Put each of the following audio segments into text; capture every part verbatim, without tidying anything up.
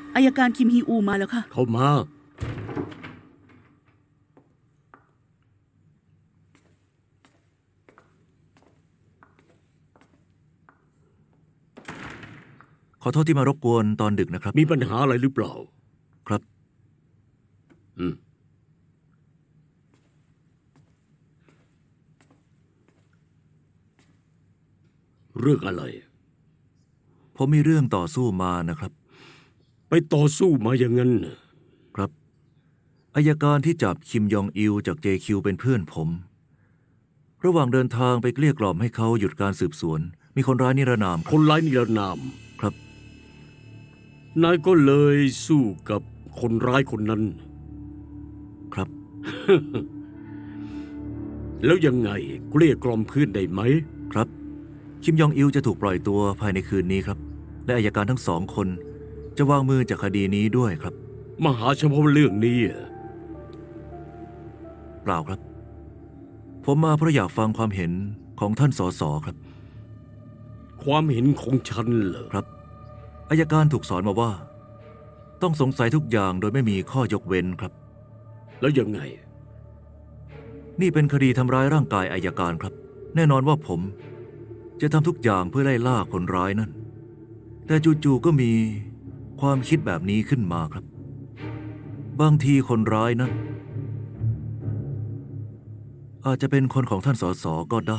อัยการคิมฮีอูมาแล้วค่ะเข้ามาขอโทษที่มารบกวนตอนดึกนะครับมีปัญหาอะไรหรือเปล่าครับอืมเรื่องอะไรผมมีเรื่องต่อสู้มานะครับไปต่อสู้มาอย่างนั้นครับอัยการที่จับคิมยองอิลจาก เจ คิว เป็นเพื่อนผมระหว่างเดินทางไปเกลี้ยกล่อมให้เขาหยุดการสืบสวนมีคนร้ายนิรนามคนร้ายนิรนามครับนายก็เลยสู้กับคนร้ายคนนั้นครับแล้วยังไงเกลี้ยกล่อมเพื่อนได้ไหมครับคิมยองอิลจะถูกปล่อยตัวภายในคืนนี้ครับและอัยการทั้งสองคนจะวางมือจากคดีนี้ด้วยครับมาหาเฉพาะเรื่องนี้เปล่าครับผมมาเพราะอยากฟังความเห็นของท่านสสครับความเห็นของฉันเหรอครับอัยการถูกสอนมาว่าต้องสงสัยทุกอย่างโดยไม่มีข้อยกเว้นครับแล้วยังไงนี่เป็นคดีทำร้ายร่างกายอัยการครับแน่นอนว่าผมจะทำทุกอย่างเพื่อไล่ล่าคนร้ายนั่นแต่จู่ๆก็มีความคิดแบบนี้ขึ้นมาครับบางทีคนร้ายนั้นอาจจะเป็นคนของท่านสสก็ได้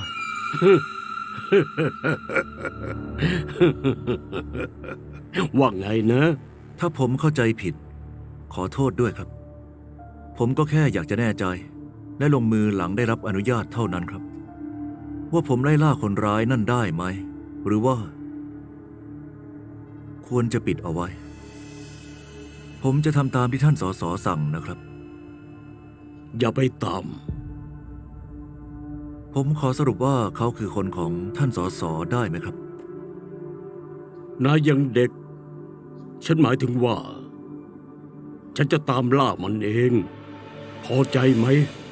ว่าไงนะถ้าผมเข้าใจผิดขอโทษด้วยครับผมก็แค่อยากจะแน่ใจและลงมือหลังได้รับอนุญาตเท่านั้นครับว่าผมไล่ล่าคนร้ายนั่นได้ไหมหรือว่าควรจะปิดเอาไว้ผมจะทำตามที่ท่านสสสั่งนะครับอย่าไปตามผมขอสรุปว่าเขาคือคนของท่านสสได้ไหมครับนายยังเด็กฉันหมายถึงว่าฉันจะตามล่ามันเองพอใจไหม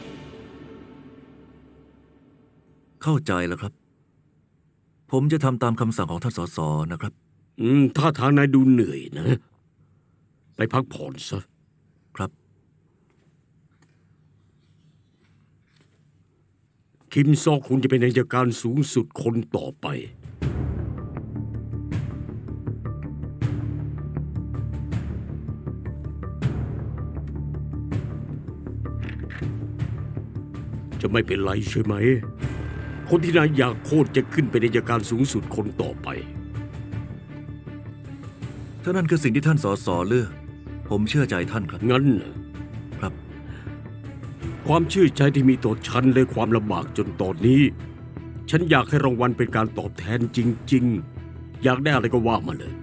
เข้าใจแล้วครับผมจะทำตามคำสั่งของท่านสสนะครับอืมถ้าทางนายดูเหนื่อยนะไปพักผ่อนซะครับคิมซอกคุณจะเป็นอัยการสูงสุดคนต่อไปจะไม่เป็นไรใช่ไหมคนที่นายอยากโคตรจะขึ้นเป็นอัยการสูงสุดคนต่อไปถ้านั่นคือสิ่งที่ท่านสสเลือกผมเชื่อใจท่านครับงั้นครับความเชื่อใจที่มีต่อฉันและความลำบากจนตอนนี้ฉันอยากให้รางวัลเป็นการตอบแทนจริงๆอยากได้อะไรก็ว่ามาเลย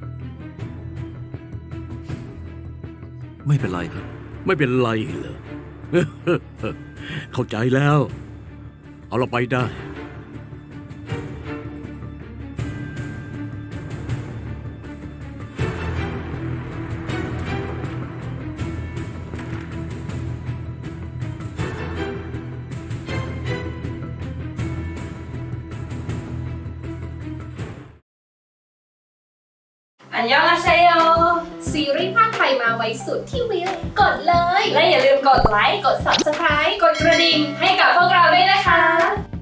ไม่เป็นไรครับไม่เป็นไรเหรอ เข้าใจแล้วเอาเราไปได้อันยองอาเซโยซีรีส์ภาคไทยมาไว้สุดที่วิวกดเลยและอย่าลืมกดไลค์ กด ซับสไครบ์ กดกระดิ่งให้กับพวกเราด้วยนะคะ